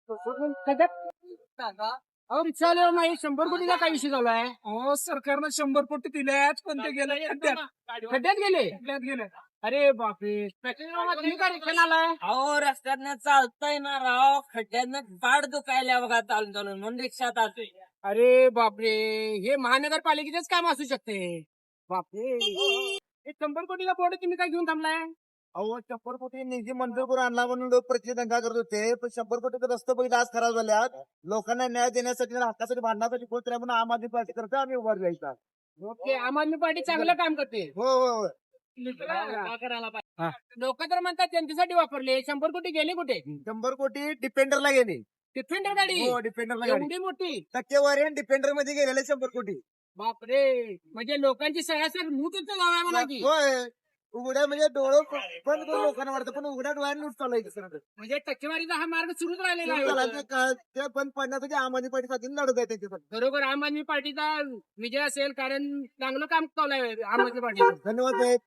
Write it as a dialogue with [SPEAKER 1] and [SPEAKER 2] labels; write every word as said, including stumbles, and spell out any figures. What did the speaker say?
[SPEAKER 1] अहो रिक्षावाले नाही शंभर कोटीचा काय विषय झाला आहे?
[SPEAKER 2] अहो सरकारनं शंभर कोटी दिल्यात पण ते गेले खड्ड्यात
[SPEAKER 1] खड्ड्यात गेले.
[SPEAKER 2] खड्ड्यात गेले.
[SPEAKER 1] अरे बापरे तुम्ही काय रिक्षाने आलाय?
[SPEAKER 3] अहो रस्त्यातनं चालतंय ना राव खड्ड्यातनं पाड दुखायला बघा चालून चालून म्हणून रिक्षात आलोय.
[SPEAKER 1] अरे बापरे हे महानगरपालिकेचेच काम असू शकते. बापरे हे शंभर कोटीचा बोर्ड तुम्ही काय घेऊन थांबलाय?
[SPEAKER 4] अहो शंभर कोटी निधी मंजूर करून आणला म्हणून लोक प्रतिष्ठा दंगा करत होते पण शंभर कोटीचे रस्ते बघितले आज खराब झाल्यात. लोकांना न्याय देण्यासाठी आणि हक्कासाठी भांडण्यासाठी कोण तरी म्हणून आम आदमी पार्टी करता आम्ही उभा राहायचा.
[SPEAKER 1] ओके आम आदमी पार्टी चांगलं काम करते.
[SPEAKER 4] हो हो हो
[SPEAKER 3] काय करायला पाहिजे
[SPEAKER 1] लोक तर म्हणतात त्यांच्यासाठी वापरले. शंभर कोटी गेले कुठे?
[SPEAKER 4] शंभर कोटी डिपेंडरला गेले.
[SPEAKER 1] डिफेंडर गाडी
[SPEAKER 4] हो डिपेंडरला गाडी
[SPEAKER 1] एवढी मोठी.
[SPEAKER 4] टक्केवारी डिपेंडर मध्ये गेलेले शंभर कोटी.
[SPEAKER 1] बापरे म्हणजे लोकांची सगळ्यात मूतच गाव आहे म्हणा की.
[SPEAKER 4] होय उघड्या म्हणजे डोळं पण लोकांना वाटतं पण उघड्या डोळ्याने लूट चालायचं
[SPEAKER 1] म्हणजे टक्केवारीचा हा मार्ग सुरूच राहिलेला आहे.
[SPEAKER 4] ते बंद पडण्यासाठी आम आदमी पार्टीसाठी लढत आहे त्यांच्यासाठी.
[SPEAKER 1] बरोबर आम आदमी पार्टीचा विजय असेल कारण चांगलं काम चालू आहे आम आदमी पार्टी.
[SPEAKER 4] धन्यवाद साहेब.